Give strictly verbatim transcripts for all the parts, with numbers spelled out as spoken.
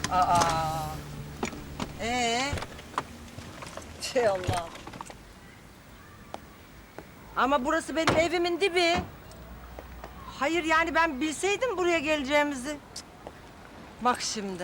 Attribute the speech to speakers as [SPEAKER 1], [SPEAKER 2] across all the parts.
[SPEAKER 1] Aa. Ee? Şey Allah. Ama burası benim evimin dibi. Hayır yani ben bilseydim buraya geleceğimizi. Cık. Bak şimdi.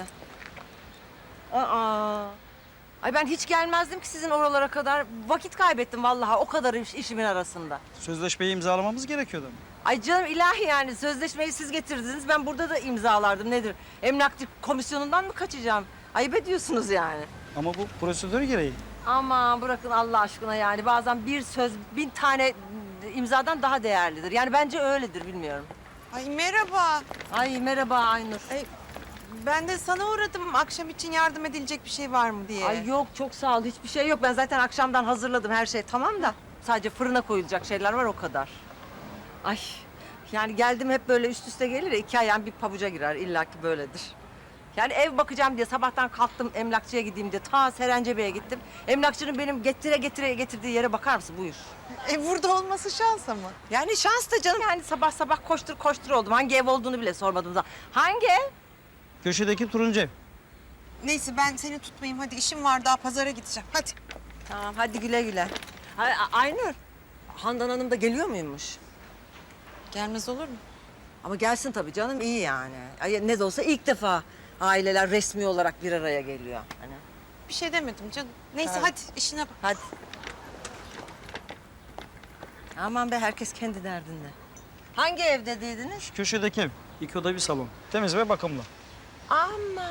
[SPEAKER 1] Aa. Ay ben hiç gelmezdim ki sizin oralara kadar. Vakit kaybettim vallahi o kadar iş, işimin arasında.
[SPEAKER 2] Sözleşmeyi imzalamamız gerekiyordu.
[SPEAKER 1] Ay canım ilahi yani sözleşmeyi siz getirdiniz. Ben burada da imzalardım nedir? Emlakçı komisyonundan mı kaçacağım? Ayıp ediyorsunuz yani.
[SPEAKER 2] Ama bu prosedür gereği.
[SPEAKER 1] Aman bırakın Allah aşkına yani. Bazen bir söz bin tane imzadan daha değerlidir. Yani bence öyledir bilmiyorum.
[SPEAKER 3] Ay merhaba.
[SPEAKER 1] Ay merhaba Aynur.
[SPEAKER 3] Ay, ben de sana uğradım akşam için yardım edilecek bir şey var mı diye.
[SPEAKER 1] Ay yok çok sağ ol hiçbir şey yok. Ben zaten akşamdan hazırladım her şey tamam da. Sadece fırına koyulacak şeyler var o kadar. Ay yani geldim hep böyle üst üste gelir ya iki ayağım bir pabuca girer illaki böyledir. Yani ev bakacağım diye sabahtan kalktım emlakçıya gideyim diye ta Serencebe'ye gittim. Emlakçının benim getire getire getirdiği yere bakar mısın buyur.
[SPEAKER 3] E burada olması şans ama.
[SPEAKER 1] Yani şans da canım yani sabah sabah koştur koştur oldum. Hangi ev olduğunu bile sormadım da. Hangi ev?
[SPEAKER 2] Köşedeki turuncu ev.
[SPEAKER 3] Neyse ben seni tutmayayım hadi işim var daha pazara gideceğim hadi.
[SPEAKER 1] Tamam hadi güle güle. Ay, A- Aynur, Handan Hanım da geliyor muymuş?
[SPEAKER 3] Gelmez olur mu?
[SPEAKER 1] Ama gelsin tabii canım iyi yani. Ay, ne de olsa ilk defa aileler resmi olarak bir araya geliyor. Hani.
[SPEAKER 3] Bir şey demedim canım. Neyse
[SPEAKER 1] Evet.
[SPEAKER 3] hadi işine bak.
[SPEAKER 1] Hadi. Aman be herkes kendi derdinde. Hangi ev dediydiniz?
[SPEAKER 2] Şu köşedeki ev. İki oda bir salon. Temiz ve bakımlı.
[SPEAKER 1] Ama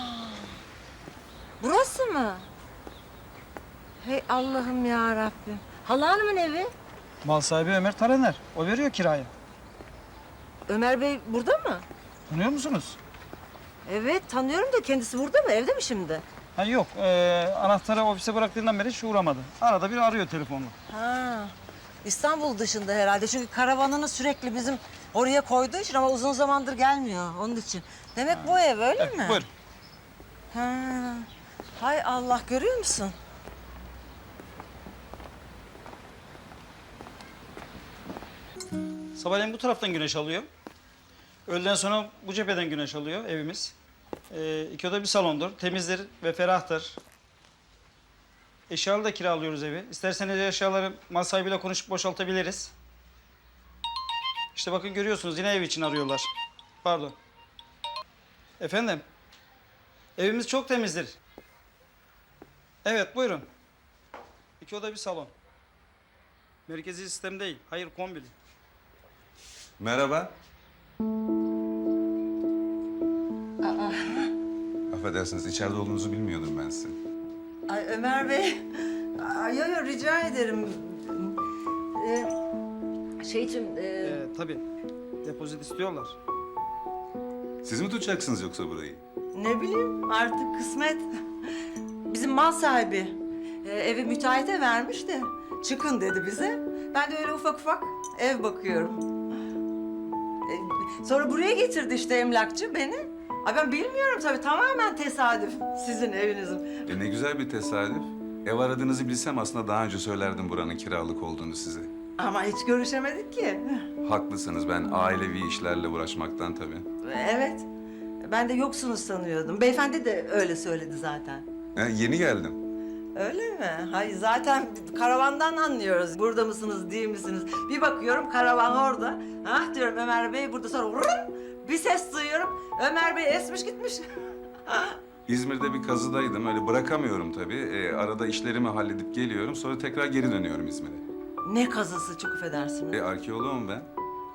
[SPEAKER 1] burası mı? Hey Allah'ım ya Rabbim. Hala Hanım'ın evi.
[SPEAKER 2] Mal sahibi Ömer Taraner. O veriyor kirayı.
[SPEAKER 1] Ömer Bey burada mı?
[SPEAKER 2] Tanıyor musunuz?
[SPEAKER 1] Evet tanıyorum da kendisi burada mı? Evde mi şimdi?
[SPEAKER 2] Ha yok. Ee, anahtarı ofise bıraktığından beri hiç uğramadı. Arada bir arıyor telefonla.
[SPEAKER 1] Ha. İstanbul dışında herhalde. Çünkü karavanını sürekli bizim oraya koyduğu için ama uzun zamandır gelmiyor onun için. Demek bu ev öyle
[SPEAKER 2] Evet,
[SPEAKER 1] mi?
[SPEAKER 2] buyur.
[SPEAKER 1] Ha. Hay Allah görüyor musun?
[SPEAKER 2] Sabahleyin bu taraftan güneş alıyor. Öğleden sonra bu cepheden güneş alıyor evimiz. Ee, iki oda bir salondur. Temizdir ve ferahtır. Eşyalı da kiralıyoruz evi. İsterseniz eşyaları mal sahibiyle konuşup boşaltabiliriz. İşte bakın görüyorsunuz yine ev için arıyorlar. Pardon. Efendim? Evimiz çok temizdir. Evet buyurun. İki oda bir salon. Merkezi sistem değil. Hayır kombili.
[SPEAKER 4] Merhaba. Affedersiniz, içeride olduğunuzu bilmiyordum ben sizin.
[SPEAKER 1] Ay Ömer Bey. Ay yo, yo, rica ederim. Ee, şey için... E...
[SPEAKER 2] Ee, tabii. Depozit istiyorlar.
[SPEAKER 4] Siz mi tutacaksınız yoksa burayı?
[SPEAKER 1] Ne bileyim artık kısmet. Bizim mal sahibi e, evi müteahhite vermiş de çıkın dedi bize. Ben de öyle ufak ufak ev bakıyorum. E, sonra buraya getirdi işte emlakçı beni. Ay ben bilmiyorum tabii tamamen tesadüf sizin evinizin.
[SPEAKER 4] E ne güzel bir tesadüf. Ev aradığınızı bilsem aslında daha önce söylerdim buranın kiralık olduğunu size.
[SPEAKER 1] Ama hiç görüşemedik ki.
[SPEAKER 4] Haklısınız, ben ailevi işlerle uğraşmaktan tabii.
[SPEAKER 1] Evet. Ben de yoksunuz sanıyordum. Beyefendi de öyle söyledi zaten.
[SPEAKER 4] E, yeni geldim.
[SPEAKER 1] Öyle mi? Hayır zaten karavandan anlıyoruz. Burada mısınız, değil misiniz? Bir bakıyorum karavan orada. Ah diyorum Ömer Bey burada sonra vurun. Bir ses duyuyorum. Ömer Bey esmiş gitmiş.
[SPEAKER 4] İzmir'de bir kazıdaydım, öyle bırakamıyorum tabii. E, arada işlerimi halledip geliyorum, sonra tekrar geri dönüyorum İzmir'e.
[SPEAKER 1] Ne kazısı çok affedersiniz.
[SPEAKER 4] E, arkeoloğum ben.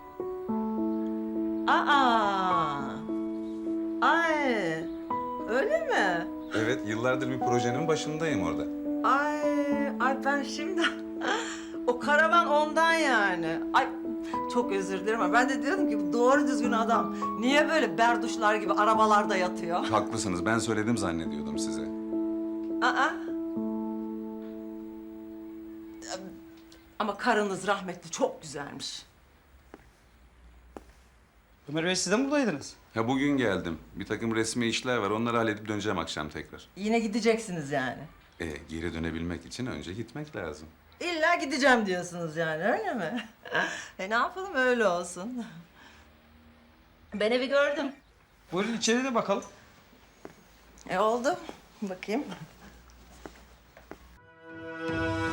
[SPEAKER 1] Aa. Ay. Öyle mi?
[SPEAKER 4] Evet, yıllardır bir projenin başındayım orada.
[SPEAKER 1] Ay, ay ben şimdi o karavan ondan yani. Ay çok özür dilerim ama ben de diyordum ki bu doğru düzgün adam niye böyle berduşlar gibi arabalarda yatıyor?
[SPEAKER 4] Haklısınız, ben söyledim zannediyordum size.
[SPEAKER 1] Aa. Ama karınız rahmetli çok güzelmiş.
[SPEAKER 2] Ömer Bey siz de mi buradaydınız?
[SPEAKER 4] Ha bugün geldim. Bir takım resmi işler var. Onları halledip döneceğim akşam tekrar.
[SPEAKER 1] Yine gideceksiniz yani.
[SPEAKER 4] E, geri dönebilmek için önce gitmek lazım.
[SPEAKER 1] İlla gideceğim diyorsunuz yani öyle mi? E ne yapalım öyle olsun. Ben evi gördüm.
[SPEAKER 2] Buyurun içeri de bakalım.
[SPEAKER 1] E oldu. Bakayım.